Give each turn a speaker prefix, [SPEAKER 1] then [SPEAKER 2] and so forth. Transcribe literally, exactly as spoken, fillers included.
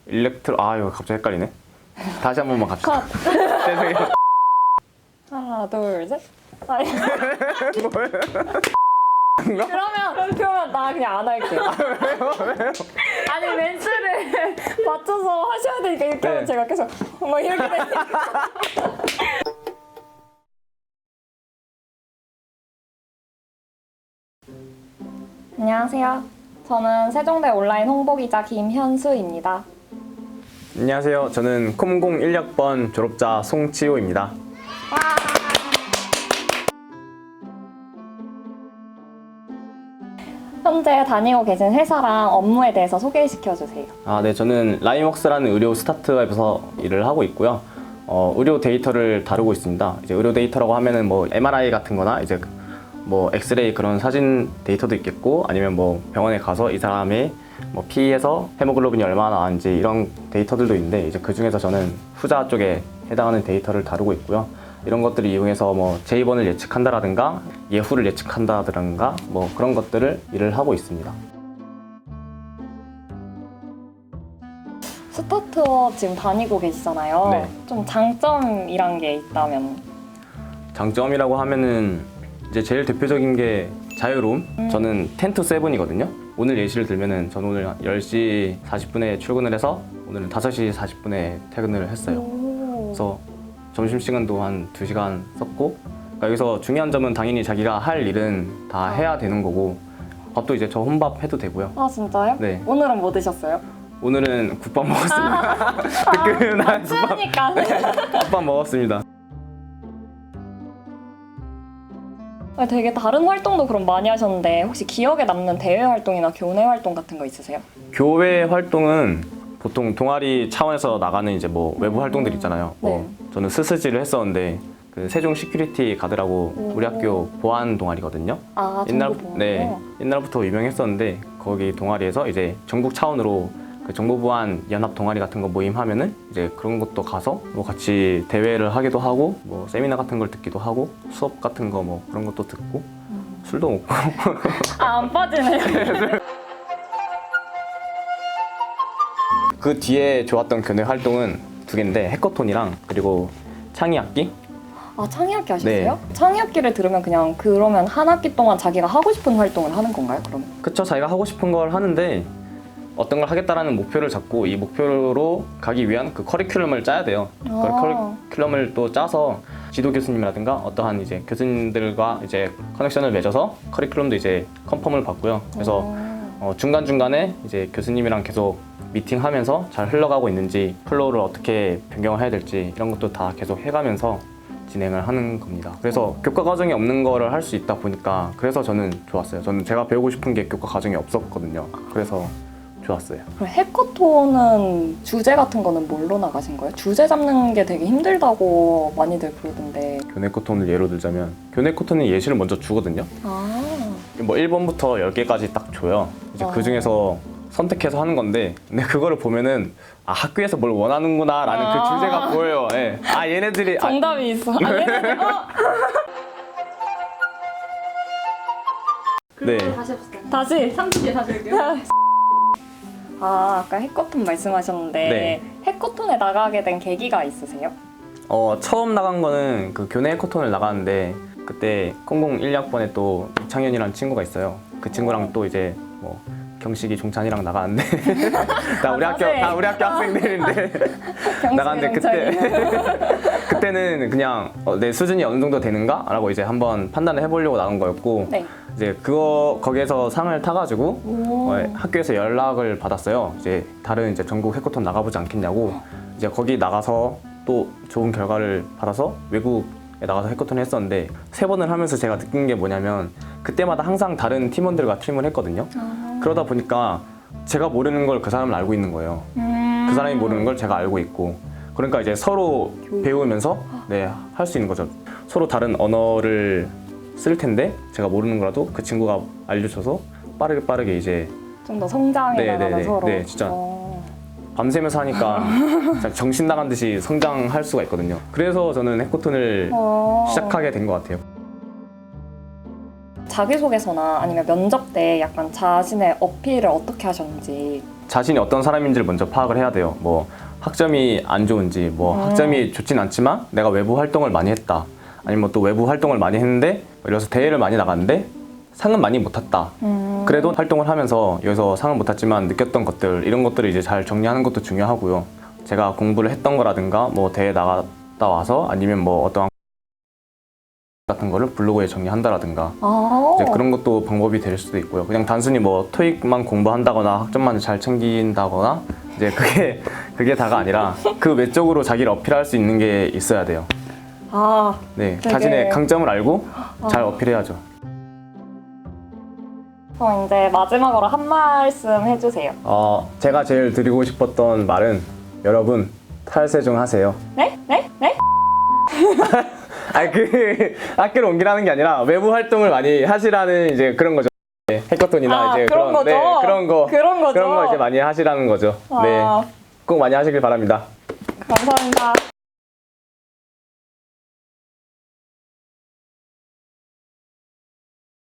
[SPEAKER 1] 일렉트로 아 이거 갑자기 헷갈리네. 다시 한 번만 갑시다. 죄송해요.
[SPEAKER 2] 하나, 둘, 셋. 아니,
[SPEAKER 1] 뭐예요?
[SPEAKER 2] 그러면 그러면 나 그냥 안 할게.
[SPEAKER 1] 아, 왜요? 왜요?
[SPEAKER 2] 아니 멘트를 맞춰서 하셔야 되니까 이렇게
[SPEAKER 1] 네.
[SPEAKER 2] 하면 제가 계속 뭐 이렇게 되니까. 안녕하세요. 저는 세종대 온라인 홍보기자 김현수입니다.
[SPEAKER 1] 안녕하세요. 저는 콤공 일 학번 졸업자 송치호입니다.
[SPEAKER 2] 현재 다니고 계신 회사랑 업무에 대해서 소개시켜 주세요.
[SPEAKER 1] 아, 네, 저는 라임웍스라는 의료 스타트업에서 일을 하고 있고요. 어, 의료 데이터를 다루고 있습니다. 이제 의료 데이터라고 하면은 뭐 엠알아이 같은 거나 이제 뭐 엑스레이 그런 사진 데이터도 있겠고 아니면 뭐 병원에 가서 이 사람의 뭐 피에서 헤모글로빈이 얼마나 나왔는지 이런 데이터들도 있는데 이제 그 중에서 저는 후자 쪽에 해당하는 데이터를 다루고 있고요. 이런 것들을 이용해서 뭐 제입원을 예측한다라든가 예후를 예측한다든가 뭐 그런 것들을 일을 하고 있습니다.
[SPEAKER 2] 스타트업 지금 다니고 계시잖아요.
[SPEAKER 1] 네.
[SPEAKER 2] 좀 장점이란 게 있다면?
[SPEAKER 1] 장점이라고 하면은 이제 제일 대표적인 게 자유로움.
[SPEAKER 2] 음.
[SPEAKER 1] 저는 텐 to 세븐이거든요. 오늘 예시를 들면은 저는 오늘 열 시 사십 분에 출근을 해서 오늘은 다섯 시 사십 분에 퇴근을 했어요.
[SPEAKER 2] 오.
[SPEAKER 1] 그래서 점심시간도 한 두 시간 썼고, 그러니까 여기서 중요한 점은 당연히 자기가 할 일은 다 해야 되는 거고, 밥도 이제 저 혼밥 해도 되고요.
[SPEAKER 2] 아 진짜요?
[SPEAKER 1] 네.
[SPEAKER 2] 오늘은 뭐 드셨어요?
[SPEAKER 1] 오늘은 국밥 먹었습니다. 뜨끈한 국밥,
[SPEAKER 2] 추우니까.
[SPEAKER 1] 국밥 먹었습니다.
[SPEAKER 2] 아니, 되게 다른 활동도 그럼 많이 하셨는데 혹시 기억에 남는 대외 활동이나 교내 활동 같은 거 있으세요?
[SPEAKER 1] 교회 활동은 보통 동아리 차원에서 나가는 이제 뭐 외부 활동들 있잖아요.
[SPEAKER 2] 네.
[SPEAKER 1] 뭐 저는 스스지를 했었는데 그 세종 시큐리티 가드라고
[SPEAKER 2] 오.
[SPEAKER 1] 우리 학교 보안 동아리거든요.
[SPEAKER 2] 아
[SPEAKER 1] 옛날
[SPEAKER 2] 정보보안.
[SPEAKER 1] 네 옛날부터 유명했었는데 거기 동아리에서 이제 전국 차원으로 그 정보보안 연합 동아리 같은 거 모임하면은 이제 그런 것도 가서 뭐 같이 대회를 하기도 하고 뭐 세미나 같은 걸 듣기도 하고 수업 같은 거 뭐 그런 것도 듣고
[SPEAKER 2] 음.
[SPEAKER 1] 술도 먹고
[SPEAKER 2] 아, 안 빠지네요.
[SPEAKER 1] 그 뒤에 좋았던 교내 활동은 두 개인데 해커톤이랑 그리고 창의악기.
[SPEAKER 2] 아 창의학기 하셨어요? 창의학기를 들으면 그냥 그러면 한 학기 동안 자기가 하고 싶은 활동을 하는 건가요? 그럼?
[SPEAKER 1] 그쵸, 자기가 하고 싶은 걸 하는데 어떤 걸 하겠다라는 목표를 잡고 이 목표로 가기 위한 그 커리큘럼을 짜야 돼요. 그
[SPEAKER 2] 아.
[SPEAKER 1] 커리큘럼을 또 짜서 지도 교수님이라든가 어떠한 이제 교수님들과 이제 커넥션을 맺어서 커리큘럼도 이제 컨펌을 받고요. 그래서 어, 중간중간에 이제 교수님이랑 계속 미팅하면서 잘 흘러가고 있는지 플로우를 어떻게 변경을 해야 될지 이런 것도 다 계속 해가면서 진행을 하는 겁니다. 그래서 교과 과정이 없는 거를 할 수 있다 보니까 그래서 저는 좋았어요. 저는 제가 배우고 싶은 게 교과 과정이 없었거든요. 그래서 좋았어요.
[SPEAKER 2] 그럼 해커톤은 주제 같은 거는 뭘로 나가신 거예요? 주제 잡는 게 되게 힘들다고 많이들 그러던데.
[SPEAKER 1] 교내 코톤을 예로 들자면 교내 코톤은 예시를 먼저 주거든요.
[SPEAKER 2] 아,
[SPEAKER 1] 뭐 일 번부터 열 개까지 딱 줘요. 이제
[SPEAKER 2] 아.
[SPEAKER 1] 그 중에서 선택해서 하는 건데 근데 그거를 보면은 아 학교에서 뭘 원하는구나 라는
[SPEAKER 2] 아.
[SPEAKER 1] 그 주제가 보여요. 예. 아 얘네들이 아,
[SPEAKER 2] 정답이 있어. 아, 얘네들, 어?
[SPEAKER 1] 네.
[SPEAKER 3] 다시 해보세요.
[SPEAKER 2] 다시.
[SPEAKER 3] 삼십 개 다시 할게요.
[SPEAKER 2] 아, 아까 해커톤 말씀하셨는데
[SPEAKER 1] 네.
[SPEAKER 2] 해커톤에 나가게 된 계기가 있으세요?
[SPEAKER 1] 어 처음 나간 거는 그 교내 코톤을 나갔는데 그때 콩공 일 학번에 또 이창현이라는 친구가 있어요. 그 친구랑 또 이제 뭐 경식이 종찬이랑 나갔는데 다 우리
[SPEAKER 2] 아,
[SPEAKER 1] 학교
[SPEAKER 2] 자세.
[SPEAKER 1] 다 우리 학교 학생들인데 나갔는데 그때 그때는 그냥 어, 내 수준이 어느 정도 되는가? 라고 이제 한번 판단을 해보려고 나간 거였고
[SPEAKER 2] 네.
[SPEAKER 1] 이제 그거 거기에서 상을 타가지고
[SPEAKER 2] 오.
[SPEAKER 1] 어, 학교에서 연락을 받았어요. 이제 다른 이제 전국 해커톤 나가보지 않겠냐고. 이제 거기 나가서 또 좋은 결과를 받아서 외국에 나가서 해커톤을 했었는데 세 번을 하면서 제가 느낀 게 뭐냐면 그때마다 항상 다른 팀원들과 팀을 했거든요.
[SPEAKER 2] 아.
[SPEAKER 1] 그러다 보니까 제가 모르는 걸 그 사람은 알고 있는 거예요.
[SPEAKER 2] 음.
[SPEAKER 1] 그 사람이 모르는 걸 제가 알고 있고 그러니까 이제 서로 배우면서 네, 할 수 있는 거죠. 서로 다른 언어를 쓸 텐데 제가 모르는 거라도 그 친구가 알려줘서 빠르게 빠르게 이제
[SPEAKER 2] 좀 더 성장해
[SPEAKER 1] 네,
[SPEAKER 2] 나가면
[SPEAKER 1] 네, 네.
[SPEAKER 2] 서로.
[SPEAKER 1] 네, 진짜.
[SPEAKER 2] 어.
[SPEAKER 1] 밤새면서 하니까 진짜 정신 나간 듯이 성장할 수가 있거든요. 그래서 저는 해커톤을
[SPEAKER 2] 어.
[SPEAKER 1] 시작하게 된 것 같아요.
[SPEAKER 2] 자기소개서나 아니면 면접 때 약간 자신의 어필을 어떻게 하셨는지.
[SPEAKER 1] 자신이 어떤 사람인지를 먼저 파악을 해야 돼요. 뭐 학점이 안 좋은지, 뭐
[SPEAKER 2] 음.
[SPEAKER 1] 학점이 좋진 않지만 내가 외부 활동을 많이 했다. 아니면 또 외부 활동을 많이 했는데 예를 들어서 대회를 많이 나갔는데 상은 많이 못 탔다.
[SPEAKER 2] 음.
[SPEAKER 1] 그래도 활동을 하면서 여기서 상은 못 탔지만 느꼈던 것들 이런 것들을 이제 잘 정리하는 것도 중요하고요. 제가 공부를 했던 거라든가 뭐 대회 나갔다 와서 아니면 뭐 어떠한 같은 거를 블로그에 정리한다라든가
[SPEAKER 2] 아.
[SPEAKER 1] 이제 그런 것도 방법이 될 수도 있고요. 그냥 단순히 뭐 토익만 공부한다거나 학점만 잘 챙긴다거나 이제 그게 그게 다가 아니라 그 외적으로 자기를 어필할 수 있는 게 있어야 돼요.
[SPEAKER 2] 아.
[SPEAKER 1] 네,
[SPEAKER 2] 되게-
[SPEAKER 1] 자신의 강점을 알고 잘
[SPEAKER 2] 아.
[SPEAKER 1] 어필해야죠.
[SPEAKER 2] 그럼 이제 마지막으로 한 말씀 해주세요.
[SPEAKER 1] 어, 제가 제일 드리고 싶었던 말은 여러분 탈세종 하세요.
[SPEAKER 2] 네? 네? 네?
[SPEAKER 1] 아니 그 학교를 옮기라는 게 아니라 외부 활동을 많이 하시라는 이제 그런 거죠. 네, 해커톤이나
[SPEAKER 2] 아,
[SPEAKER 1] 이제
[SPEAKER 2] 그런 거죠?
[SPEAKER 1] 네, 그런 거
[SPEAKER 2] 그런 거죠?
[SPEAKER 1] 그런 거 이제 많이 하시라는 거죠.
[SPEAKER 2] 아.
[SPEAKER 1] 네, 꼭 많이 하시길 바랍니다.
[SPEAKER 2] 감사합니다.